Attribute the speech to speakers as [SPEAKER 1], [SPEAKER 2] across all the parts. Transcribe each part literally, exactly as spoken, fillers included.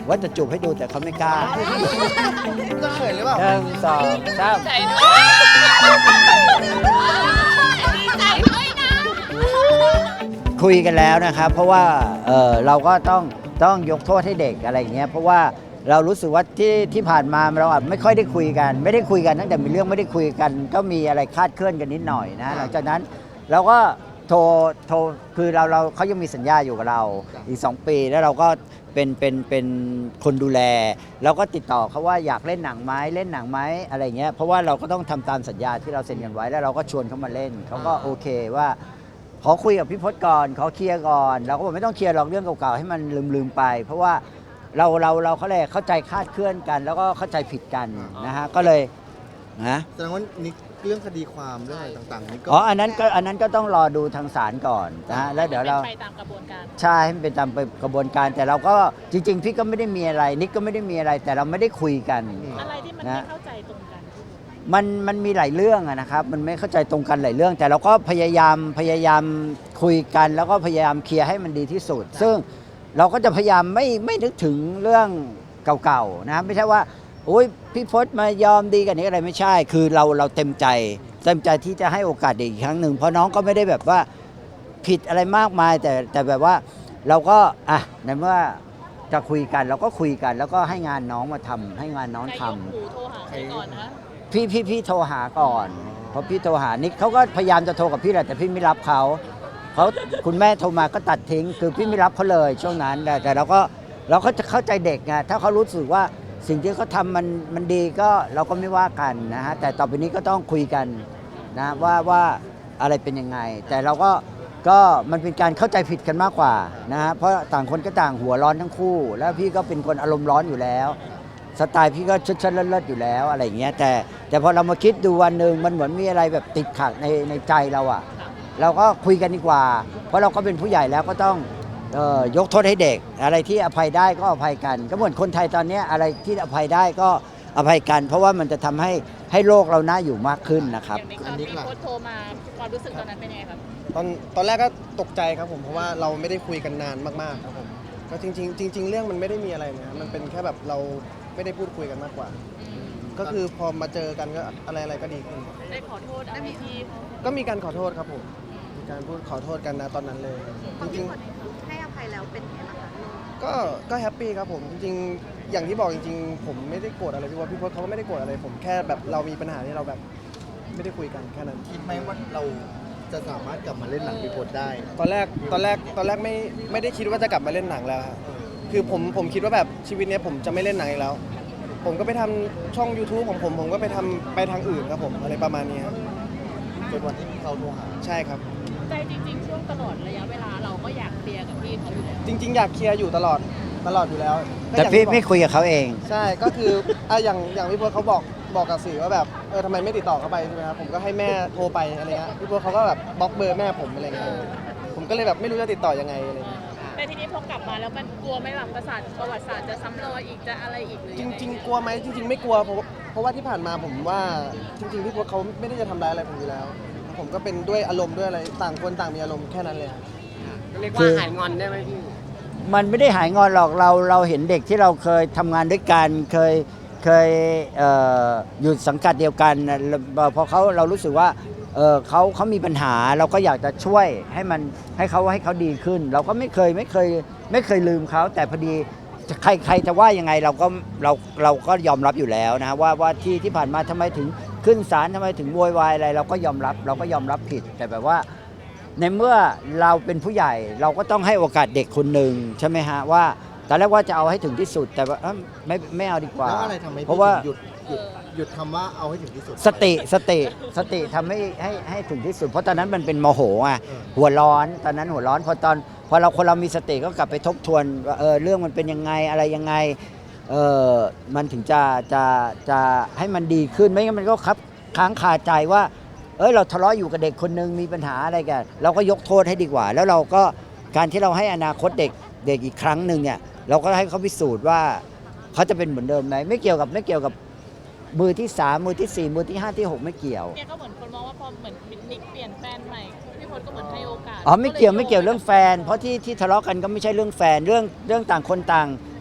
[SPEAKER 1] ว่าจะจูบให้ดูแต่เขาไม่กล้า
[SPEAKER 2] จะเขินหรือเปล่า
[SPEAKER 1] หนึ่งสองสาม
[SPEAKER 3] ใจด้วยดีใจด้วยนะ
[SPEAKER 1] คุยกันแล้วนะครับ เพราะว่าเออเราก็ต้องต้องยกโทษให้เด็กอะไรอย่างเงี้ยเพราะว่าเรารู้สึกว่าที่ที่ผ่านมาเราอาจไม่ค่อยได้คุยกัน ไม่ได้คุยกันตั้งแต่มีเรื่องไม่ได้คุยกันก็มีอะไรคลาดเคลื่อนกันนิดหน่อยนะหลังจากนั้นเราก็โทรโทรคือเราเราเขายังมีสัญญาอยู่กับเราอีกสองปีแล้วเราก็เป็นเป็นเป็นคนดูแลเราก็ติดต่อเขาว่าอยากเล่นหนังไหมเล่นหนังไหมอะไรเงี้ยเพราะว่าเราก็ต้องทำตามสัญญาที่เราเซ็นกันไว้แล้วเราก็ชวนเขามาเล่นเขาก็โอเคว่าขอคุยกับพี่พจน์ก่อนขอเคลียร์ก่อนเราก็บอกไม่ต้องเคลียร์หรอกเรื่องเก่าๆให้มันลืมๆไป เพราะว่าเราเราเราเขาเลยเข้าใจคลาดเคลื่อนกัน แล้วก็เข้าใจผิดกันนะฮะก็เลยนะ
[SPEAKER 2] แสดงว่านี่เรื่องคดีความเรื่องอะไรต่างๆนี่ก็
[SPEAKER 1] อ๋ออันนั้นก็อันนั้นก็ต้องรอดูทางศาลก่อนนะฮะแล้วเดี๋ยวเรา
[SPEAKER 3] ไปตามกระบวนการ
[SPEAKER 1] ใช่ให้มันเป็นตามกระบวนการแต่เราก็จริงๆพี่ก็ไม่ได้มีอะไรนิกก็ไม่ได้มีอะไรแต่เราไม่ได้คุยกัน
[SPEAKER 3] อะไรที่มัน
[SPEAKER 1] นะ
[SPEAKER 3] ไม่เข้าใจตรงกัน
[SPEAKER 1] มันมันมีหลายเรื่องอะนะครับมันไม่เข้าใจตรงกันหลายเรื่อง แต่เราก็พยายามพยายามคุยกัน แล้วก็พยายามเคลียร์ให้มันดีที่สุด ซึ่งเราก็จะพยายามไม่ไม่นึกถึงเรื่องเก่าๆนะไม่ใช่ว่าโอ้ยพี่พจน์มายอมดีกันนี้อะไรไม่ใช่ คือเราเราเต็มใจเต็มใจที่จะให้โอกาสเด็กอีกครั้งหนึ่งเพราะน้องก็ไม่ได้แบบว่าผิดอะไรมากมาย แต่แต่แบบว่าเราก็อ่ะในเมื่อจะคุยกันเราก็คุยกัน แล้วก็ให้งานน้องมาทำให้งานน้อง
[SPEAKER 3] ใคร
[SPEAKER 1] ทำ
[SPEAKER 3] ยกหูโทรหาใครก่อนนะ
[SPEAKER 1] พี่พี่พี่โทรหาก่อนเพราะพี่โทรหานิกเขาก็พยายามจะโทรกับพี่แหละแต่พี่ไม่รับเขาเขาคุณแม่โทรมาก็ตัดทิ้ง คือพี่ไม่รับเขาเลยช่วงนั้นแต่แต่เราก็เราก็จะเข้าใจเด็กไงถ้าเขารู้สึกว่าสิ่งที่เขาทำมันมันดีก็เราก็ไม่ว่ากันนะฮะแต่ต่อไปนี้ก็ต้องคุยกันนะว่าว่าอะไรเป็นยังไง แต่เราก็ก็มันเป็นการเข้าใจผิดกันมากกว่านะฮะเพราะต่างคนก็ต่างหัวร้อนทั้งคู่ แล้วพี่ก็เป็นคนอารมณ์ร้อนอยู่แล้ว สไตล์พี่ก็ชดๆเลิศๆอยู่แล้วอะไรอย่างเงี้ยแต่แต่พอเรามาคิดดูวันหนึ่งมันเหมือนมีอะไรแบบติดขัดในในใจเราอะเราก็คุยกันดีกว่า เพราะเราก็เป็นผู้ใหญ่แล้วก็ต้องเอ่อยกโทษให้เด็ก อะไรที่อภัยได้ก็อภัยกัน ก็เหมือนคนไทยตอนนี้อะไรที่อภัยได้ก็อภัยกัน เพราะว่ามันจะทำให้ให้โลกเราน่าอยู่มากขึ้นนะครับ
[SPEAKER 3] อย่างนี้ตอนที่โค้ชโทรมาความรู้สึกตอนนั้นเป็นยังไงครับ
[SPEAKER 2] ตอนตอนแรกก็ตกใจครับผมเพราะว่าเราไม่ได้คุยกันนานมากๆครับผมก็จริงๆจริง ๆ เรื่องมันไม่ได้มีอะไรนะมันเป็นแค่แบบเราไม่ได้พูดคุยกันมากกว่า ก็คือพอมาเจอกันก็อะไรอะไรก็ดีขึ้น
[SPEAKER 3] ได้ขอโทษอะไรที่
[SPEAKER 2] ก็มีการขอโทษครับผมมีการพูดขอโทษกันนะตอนนั้นเลยจริง
[SPEAKER 4] ให้อภัยแล้วเป็นไงบ้างคะ
[SPEAKER 2] ๆก็ก็แฮปปี้ครับผมจริงๆอย่างที่บอกจริงๆ ผมไม่ได้โกรธอะไรพี่ว่าพี่พจน์เขาก็ไม่ได้โกรธอะไรผมแค่แบบเรามีปัญหาที่เราแบบไม่ได้คุยกันแค่นั้น
[SPEAKER 5] คิดไหมว่าเราจะสามารถกลับมาเล่นหนังพี่พจน์ได้
[SPEAKER 2] ตอนแรกตอนแรกตอนแรกไม่ไม่ได้คิดว่าจะกลับมาเล่นหนังแล้วครับคือผมผมคิดว่าแบบชีวิตเนี้ยผมจะไม่เล่นหนังอีกแล้ว ผมก็ไปทำช่อง YouTube ของผมผมก็ไปทำไปทางอื่นครับผมอะไรประมาณนี้ครับ
[SPEAKER 5] จนวันที่เขาโทรหา
[SPEAKER 2] ใช่ครับ
[SPEAKER 3] ใจจริงๆ ช่วงตลอดระยะเวลาเราก็อยากเคลียร์กับพี่เขาอยู่แล้ว
[SPEAKER 2] จริง ๆ อยากเคลียร์อยู่ตลอดตลอดอยู่แล้วก็
[SPEAKER 1] แต่
[SPEAKER 2] อย่าง
[SPEAKER 1] พี่
[SPEAKER 2] ที่บอก
[SPEAKER 1] ไม่คุยกับเขาเอง
[SPEAKER 2] ใช่ก็คืออ่ะอย่างอย่างพี่พจน์เขาบอกบอกกับสื่อว่าแบบเออทำไมไม่ติดต่อเข้าไปใช่ไหมครับผมก็ให้แม่โทรไปอะไรเงี้ยพี่พจน์เขาก็แบบบล็อกเบอร์แม่ผมอะไรเงี้ยผมก็เลยแบบไม่รู้จะติดต่อยังไงอะไรเงี้ย
[SPEAKER 3] แต่ทีนี้พอกลับมาแล้วมันกลัวไหม่หลังประสาทประวัติศาสตร์จะซ้ำรอยอีกจะอะไรอีกหรือ
[SPEAKER 2] จ
[SPEAKER 3] ยังไง
[SPEAKER 2] ริง ๆ กลัวไหมจริง ๆ ไม่กลัวเพราะว่าเพราะว่าที่ผ่านมาผมว่าจริง ๆ พี่พจน์เขาไม่ได้จะทำร้ายอะไรผมอยู่แล้ว ผมก็เป็นด้วยอารมณ์ด้วยอะไรต่างคนต่างมีอารมณ์แค่นั้นเลยครับ
[SPEAKER 6] เรียก
[SPEAKER 1] คื
[SPEAKER 6] ว่า
[SPEAKER 1] อ
[SPEAKER 6] หายงอนได้ไหมพี่
[SPEAKER 1] มันไม่ได้หายงอนหรอกเราเราเห็นเด็กที่เราเคยทำงานด้วยกันเคยเคยเอ่ออยู่สังกัดเดียวกันน่ะพอเขาเรารู้สึกว่าเออเขาเขามีปัญหาเราก็อยากจะช่วยให้มันให้เขาให้เขาดีขึ้น เราก็ไม่เคยไม่เคยไม่เคยลืมเขาแต่พอดีใครใครจะว่ายังไงเราก็เราเราก็ยอมรับอยู่แล้วนะว่าว่าที่ที่ผ่านมาทำไมถึงขึ้นศาลทำไมถึงโวยวายอะไรเราก็ยอมรับเราก็ยอมรับผิดแต่แบบว่า ในเมื่อเราเป็นผู้ใหญ่เราก็ต้องให้โอกาสเด็กคนหนึ่งใช่ไหมฮะว่าตอนแรกว่าจะเอาให้ถึงที่สุดแต่ว่าเอ้ยไม่ไม่เอาดีกว่า
[SPEAKER 5] แล้วอะไรทำให้
[SPEAKER 1] เพ
[SPEAKER 5] พี่
[SPEAKER 1] ราะว่า
[SPEAKER 5] ถึงหยุดหยุดหยุดคำว่าเอาให้ถึงที่สุด
[SPEAKER 1] สติสติสติทำให้ให้ให้ถึงที่สุด เพราะตอนนั้นมันเป็นโมโหอ่ะ
[SPEAKER 5] เออ
[SPEAKER 1] หัวร้อนตอนนั้นหัวร้อนพอตอนพอเราคนเรามีสติก็กลับไปทบทวนว่าเออเรื่องมันเป็นยังไงอะไรยังไงเออมันถึงจะจะจะให้มันดีขึ้นไม่งั้นมันก็ครับค้างคาใจว่า เอ้ยเราทะเลาะอยู่กับเด็กคนนึงมีปัญหาอะไรกันเราก็ยกโทษให้ดีกว่า แล้วเราก็การที่เราให้อนาคตเด็กเด็กอีกครั้งหนึ่งเนี่ยเราก็ให้เขาพิสูจน์ว่าเขาจะเป็นเหมือนเดิมไหมไม่เกี่ยวกับไม่เกี่ยวกับมือที่สามมือที่สี่มือที่ห้าที่หกไม่เกี่ยว
[SPEAKER 3] เนี่ยก็เหมือนคนมองว่าพอเหมือนนิกเปลี่ยนแฟนใหม่พี่พจน์ก็เหมือนให้โอกาส
[SPEAKER 1] อ๋อไม่เกี่ยวไม่เกี่ยวเรื่องแฟน เพราะที่ที่ทะเลาะกันก็ไม่ใช่เรื่องแฟนเรื่องเรื่องต่างคนต่าง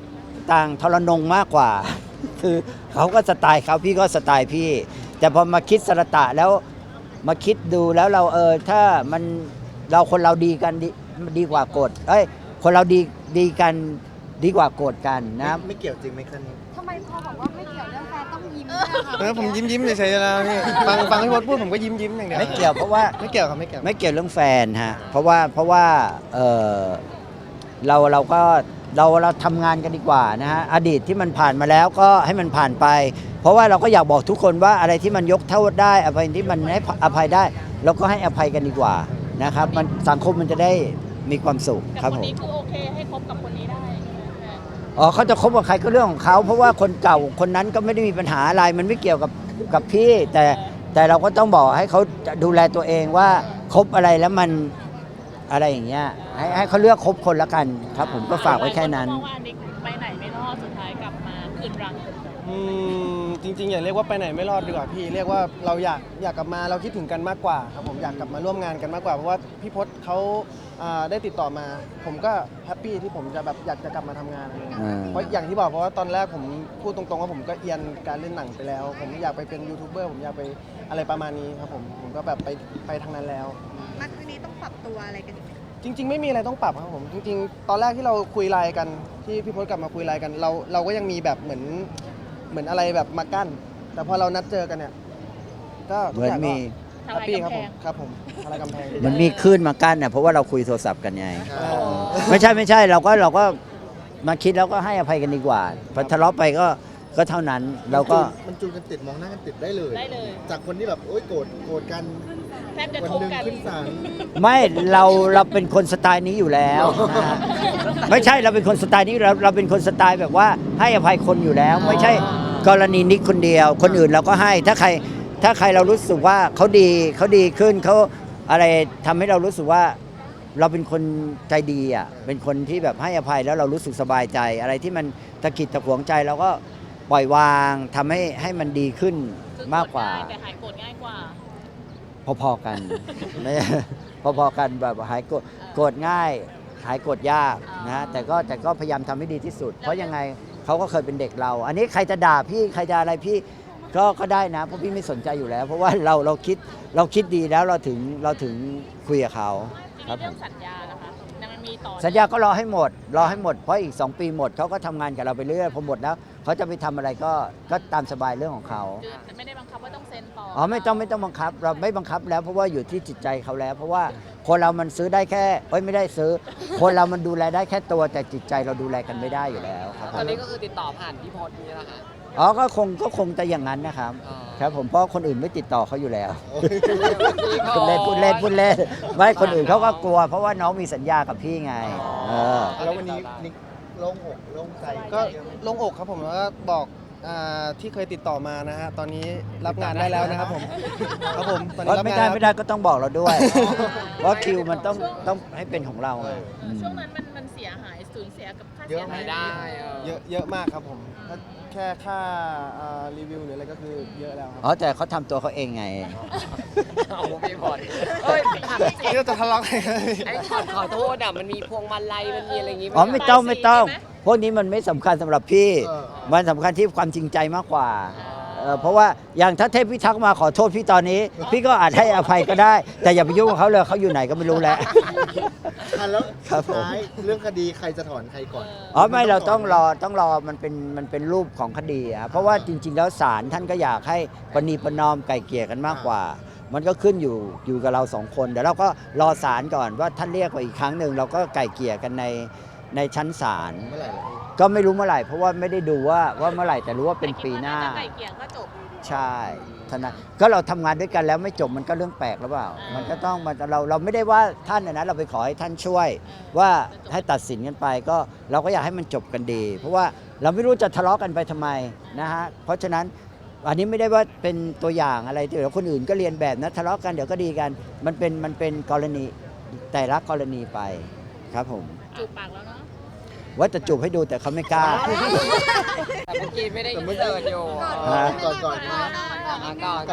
[SPEAKER 1] ต่างทรนงมากกว่า คือเขาก็สไตล์เขาพี่ก็สไตล์พี่ แต่พอมาคิดสรตะแล้วมาคิดดูแล้วเราเออถ้ามันเราคนเราดีกันดีดีกว่าโกรธเอ้ยคนเราดีดีกันดีกว่าโกรธกันนะ
[SPEAKER 5] ไม่เกี่ยวจริงไหมคะนี้
[SPEAKER 4] ทำไมพอบอกว่าไม่เกี่ยวเรื่องแฟนต้องยิ้มด้วยอะคะ
[SPEAKER 2] เออผมยิ้มยิ้มเฉยๆแล้วพี่ฟังฟังพี่พศพูดผมก็ยิ้มยิ้มอย่างเดียว
[SPEAKER 1] ไม่เกี่ยวเพราะว่า
[SPEAKER 2] ไม่เกี่ยวครับไม่เกี่ยว
[SPEAKER 1] ไม่เกี่ยวเรื่องแฟนฮะเพราะว่าเพราะว่าเออเราเราก็เราเราทำงานกันดีกว่านะฮะอดีตที่มันผ่านมาแล้วก็ให้มันผ่านไป เพราะว่าเราก็อยากบอกทุกคนว่าอะไรที่มันยกโทษได้อภัยที่มันให้อภัยได้เราก็ให้อภัยกันดีกว่านะครับมันสังคมมันจะได้มีความสุข
[SPEAKER 3] แต่
[SPEAKER 1] ครับ
[SPEAKER 3] คน
[SPEAKER 1] ผม
[SPEAKER 3] นี้คือโอเคให้คบกับคนนี้ได้ใช่ไหม
[SPEAKER 1] อ๋อเขาจะคบกับใครก็เรื่องของเขาเพราะว่าคนเก่าคนนั้นก็ไม่ได้มีปัญหาอะไรมันไม่เกี่ยวกับกับพี่แต่แต่เราก็ต้องบอกให้เขาดูแลตัวเองว่าคบอะไรแล้วมันอะไรอย่างเงี้ยให้ให้เขาเลือกคบคนละกันครับผมก็ฝากไว้แค่นั้น
[SPEAKER 3] หลายคก็มองว่าอันนี้ไปไหนไม่รอดสุดท้ายกลับมาคืนรัง
[SPEAKER 2] อืมจริงๆอย่าเรียกว่าไปไหนไม่รอดดีกว่าพี่เรียกว่าเราอยากอยากกลับมาเราคิดถึงกันมากกว่าครับผมอยากกลับมาร่วมงานกันมากกว่าเพราะว่าพี่พศเขาอ่าได้ติดต่อมา ผมก็แฮปปี้ที่ผมจะแบบอยากจะกลับมาทำงานอะไรเงี้ย
[SPEAKER 1] อ่า
[SPEAKER 2] เพราะอย่างที่บอกเพราะว่าตอนแรกผมพูดตรงๆว่าผมก็เอียนการเล่นหนังไปแล้ว ผมอยากไปเป็นยูทูบเบอร์ผมอยากไปอะไรประมาณนี้ครับผมผมก็แบบไปไปทางนั้นแล้ว
[SPEAKER 4] มาครั้งนี้ต้องปรับตัวอะไรกันอีกไหม
[SPEAKER 2] จริง ๆ ไม่มีอะไรต้องปรับครับผมจริง ๆ ตอนแรกที่เราคุยไลน์กันที่พี่พศกลับมาคุยไลน์กัน เราเราก็ยังมีแบบเหมือนเหมือนอะไรแบบมากั้น แต่พอเรานัดเจอกันเนี่ยก็
[SPEAKER 1] เห
[SPEAKER 2] ทุก
[SPEAKER 1] มือน
[SPEAKER 2] อย่างก็
[SPEAKER 1] มี
[SPEAKER 2] แฮปปี้ครับผมครับผมอะไรกำแพง
[SPEAKER 1] มันมีคลื่นมากั้นน่ะเพราะว่าเราคุยโทรศัพท์กันไง
[SPEAKER 2] เออ
[SPEAKER 1] ไม่ใช่ไม่ใช่เราก็เราก็มาคิดแล้วก็ให้อภัยกันดีกว่าพอทะเลาะไปก็ก็เท่านั้นเราก็
[SPEAKER 5] มันจูนกันติดมองหน้ากันติดได้เลย
[SPEAKER 3] ได้เลย
[SPEAKER 5] จากคนที่แบบโอ๊ยโกรธโกรธกัน
[SPEAKER 3] แทบจะ
[SPEAKER 5] วัน
[SPEAKER 3] ทุบ
[SPEAKER 5] หนึ่ง
[SPEAKER 3] กัน
[SPEAKER 5] ขึ้นศาล
[SPEAKER 1] ไม่เราเราเป็นคนสไตล์นี้อยู่แล้วนะฮะไม่ใช่เราเป็นคนสไตล์นี้เราเราเป็นคนสไตล์แบบว่าให้อภัยคนอยู่แล้ว ไม่ใช่กรณีนิกคนเดียว คนอื่นเราก็ให้ถ้าใครถ้าใครเรารู้สึกว่าเขาดีเขาดีขึ้นเขาอะไรทำให้เรารู้สึกว่าเราเป็นคนใจดีอ่ะเป็นคนที่แบบให้อภัยแล้วเรารู้สึกสบายใจ อะไรที่มันตะกิดตะขวงใจเราก็ปล่อยวางทำให้ให้มันดีขึ้น
[SPEAKER 3] คือ
[SPEAKER 1] มากกว่า
[SPEAKER 3] โรธง่ยแต่หายโกรธง่ายกว่า
[SPEAKER 1] พอๆกัน ไม่ พอๆกันแบบหายโกรธโกรธง่าย หายโกรธยากนะฮะแต่ก็แต่ก็พยายามทำให้ดีที่สุด เพราะยังไงเขาก็เคยเป็นเด็กเรา อันนี้ใครจะด่าพี่ใครจะอะไรพี่ก็ก็ได้นะเพราะพี่ไม่สนใจอยู่แล้ว เพราะว่าเราเราคิดเราคิดดีแล้วเราถึงเราถึงคุยกับเขา
[SPEAKER 3] ที
[SPEAKER 1] ครั
[SPEAKER 3] นี้
[SPEAKER 1] บผ
[SPEAKER 3] เรื่อง
[SPEAKER 1] ม
[SPEAKER 3] สัญญาล่ะคะมันมีต่อ
[SPEAKER 1] สัญญาก็รอให้หมด รอให้หมดเพราะอีกสองปีหมดเขาก็ทำงานกับเราไปเรื่อยพอหมดแล้วเขาจะไปทำอะไรก็ก็ตามสบายเรื่องของเขา
[SPEAKER 3] คือไม่ได้บังคับว่าต้องเซ็นต่อ
[SPEAKER 1] อ๋อไม่ต้องไม่ต้องบังคับ เราไม่บังคับแล้วเพราะว่าอยู่ที่จิตใจเขาแล้ว เพราะว่าคนเรามันซื้อได้แค่เอ้ยไม่ได้ซื้อ คนเรามันดูแลได้แค่ตัวแต่จิตใจเราดูแลกันไม่ได้อยู่แล้วครับ
[SPEAKER 6] ตอนนี้ก็คือติดต่อผ่านพี่พศนี่แหละค่ะ
[SPEAKER 1] อ๋อก็คงก็คงจะอย่างนั้นนะครับ
[SPEAKER 6] อ๋อ
[SPEAKER 1] ครับผมเพราะคนอื่นไม่ติดต่อเขาอยู่แล้ว
[SPEAKER 6] พี่พศ
[SPEAKER 1] พูดเล่นพูดเล่นพูดเล่นไม่คนอื่นเขาก็กลัว เพราะว่าน้องมีสัญญากับพี่ไงเออ
[SPEAKER 5] แล้ววันนี้นิกโล่งอกโล่งใจ
[SPEAKER 2] ก็โล่งอกครับผมแล้วก็บอกอ่าที่เคยติดต่อมานะฮะตอนนี้รับงานได้แล้วนะครับผมครับผมตอนนี้รับ
[SPEAKER 1] ไม่
[SPEAKER 2] งาน
[SPEAKER 1] ได้
[SPEAKER 2] แล้ว
[SPEAKER 1] ไม่ได้ก็ต้องบอกเราด้วย เพราะคิวมันต้องต้องให้เป็นของเราไงอืม
[SPEAKER 3] ช่วงนั้นมันมันเสียหายสูญเสียกับค่า
[SPEAKER 5] เย
[SPEAKER 3] เสีย
[SPEAKER 5] อะไหม
[SPEAKER 3] หาย
[SPEAKER 6] ได้เออ
[SPEAKER 2] เยอะเยอะมากครับผมถ้าแค่ค่าอ่ารีวิวหรืออะไรก็คือเยอะแล้วครับ
[SPEAKER 1] อ๋อแต่เขาทำตัวเขาเองไง
[SPEAKER 6] เอาพี่พศเอ้ยถามจริง
[SPEAKER 2] นี่เราจะทะเลาะกัน
[SPEAKER 6] ไอ้ขอขอโทษอ่ะมันมีพวงมาลัยมันมีอะไรอย่างงี้ห
[SPEAKER 1] อ๋อไม่ต้อง
[SPEAKER 3] ไปสิ
[SPEAKER 1] ไม่ต้อง
[SPEAKER 3] ใช่ไหม
[SPEAKER 1] พวกนี้มันไม่สำคัญสำหรับพี่
[SPEAKER 5] เออ
[SPEAKER 1] มันสำคัญที่ความจริงใจมากกว่าเอ่อเพราะว่าอย่างถ้าเทพพิทักษ์มาขอโทษพี่ตอนนี้ พี่ก็อาจให้อภัยก็ได้ แต่อย่าไปยุ่งกับเขาเลยเขาอยู่ไหนก็ไม่รู้แล้ว
[SPEAKER 5] อ่ะแล้ว
[SPEAKER 1] ครับ
[SPEAKER 5] สุด
[SPEAKER 1] ผม
[SPEAKER 5] ท้ายเรื่องคดีใครจะถอนใครก่อน
[SPEAKER 1] อ๋อไม่เราต้องรอต้องรอมันเป็นมันเป็นรูปของคดีอะเพราะว่าจริง ๆ แล้วศาลท่านก็อยากให้ประนีประนอมไก่เกลี่ยกันมากกว่า มันก็ขึ้นอยู่อยู่กับเราสองคนเดี๋ยวเราก็รอศาลก่อนว่าท่านเรียกมาอีกครั้งหนึ่งเราก็ไก่เกลี่ยกันในในชั้นศาล
[SPEAKER 5] เมื่อไหร่ล่ะพี่
[SPEAKER 1] ก็ไม่รู้เมื่อไหร่เพราะว่าไม่ได้ดูว่าว่าเมื่อไหร่แต่รู้ว่าเป็นปีหน้า
[SPEAKER 3] แต่คิดว่จะไก่เกลี่ยก็จบ
[SPEAKER 1] ใช่ทนายก็เราทำงานด้วยกันแล้วไม่จบมันก็เรื่องแปลกหรือเปล่า
[SPEAKER 3] อ่ามั
[SPEAKER 1] มันก็ต้องมันเราเราไม่ได้ว่าท่านนะนะเราไปขอให้ท่านช่วย ว่าให้ตัดสินกันไปก็เราก็อยากให้มันจบกันดี เพราะว่าเราไม่รู้จะทะเลาะกันไปทำไมนะฮะเพราะฉะนั้นอันนี้ไม่ได้ว่าเป็นตัวอย่างอะไรที่เดี๋ยวคนอื่นก็เรียนแบบนะทะเลาะกันเดี๋ยวก็ดีกัน มันเป็นมันเป็นกรณีแต่ละกรณีไปครับผม
[SPEAKER 3] จูบปากแล้วเนาะ
[SPEAKER 1] ว่าจะจูบให้ดูแต่เขาไม่กล้า
[SPEAKER 6] แต่เมื่อกี้ไม่ได้ยินเสิร์ตอยู่
[SPEAKER 1] ฮะ
[SPEAKER 5] ก่อนก่อนนะ
[SPEAKER 6] อ่ะก่อนนะ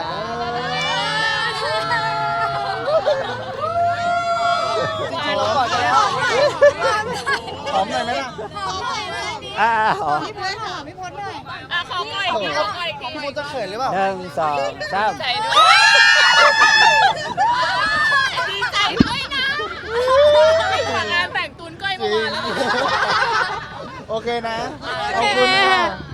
[SPEAKER 2] ขอก่อนจะได้หอมหน่อยไหมล่ะ
[SPEAKER 4] หอมหน่อยเลยเนี่ย
[SPEAKER 1] อ่าอ๋อ
[SPEAKER 4] พี่พศค่ะพี่พศหน่อย
[SPEAKER 3] อ่ะขอก่อยขอก่อย
[SPEAKER 2] พี่มดจะเขินหรือเปล่า
[SPEAKER 1] หนึ่งสองสาม
[SPEAKER 3] ใจด้วยดีใจด้วยนะมางานแต่งตุนก้อยเมื่อวานแล้ว
[SPEAKER 5] โอเคนะ
[SPEAKER 3] โอ
[SPEAKER 5] ขอบ
[SPEAKER 3] เค
[SPEAKER 5] คุณค่ะ